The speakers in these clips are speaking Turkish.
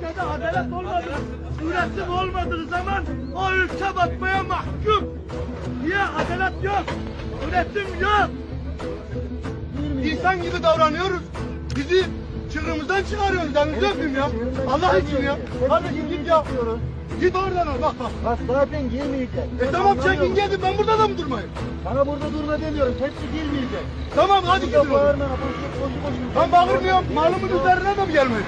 ülkede adalet olmadığı, üretim olmadığı zaman o ülke batmaya mahkum. Niye? Adalet yok, üretim yok. İnsan gibi davranıyoruz. Bizi çığırımızdan çıkarıyorsunuz. Elinizi öpeyim ya. Allah için ya. Kardeşim git ya. Git oradan al bak bak. Bak zaten girmeyecek. Tamam çekin gelin, ben burada da mı durmayayım? Sana burada durma demiyorum. Hepsi girmeyecek. Tamam hadi gidin. Bağırma. Boşu. Ben bağırmıyorum. Malımın üzerine de mi gelmeyin?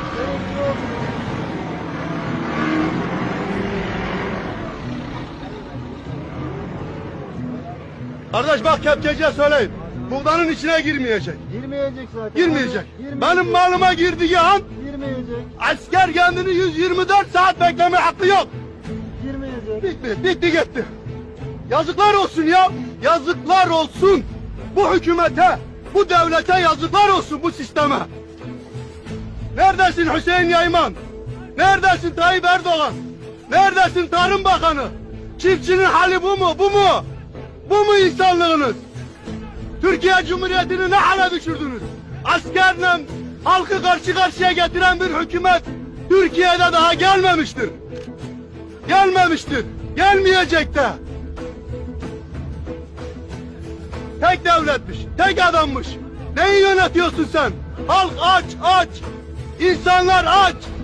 Kardeş bak kepçeciye söyleyin. Buğdanın içine girmeyecek. Girmeyecek zaten. Girmeyecek. Benim malıma girdiği an Girmeyecek. asker kendini 124 saat bekleme hakkı yok. Girmeyecek. Bitti gitti. Yazıklar olsun ya. Yazıklar olsun. Bu hükümete, bu devlete yazıklar olsun, bu sisteme. Neredesin Hüseyin Yayman? Neredesin Tayyip Erdoğan? Neredesin Tarım Bakanı? Çiftçinin hali bu mu? Bu mu? Bu mu insanlığınız? Türkiye Cumhuriyeti'ni ne hale düşürdünüz? Askerle halkı karşı karşıya getiren bir hükümet Türkiye'de daha gelmemiştir. Gelmemiştir. Gelmeyecek de. Tek devletmiş, tek adammış. Neyi yönetiyorsun sen? Halk aç, aç. İnsanlar aç.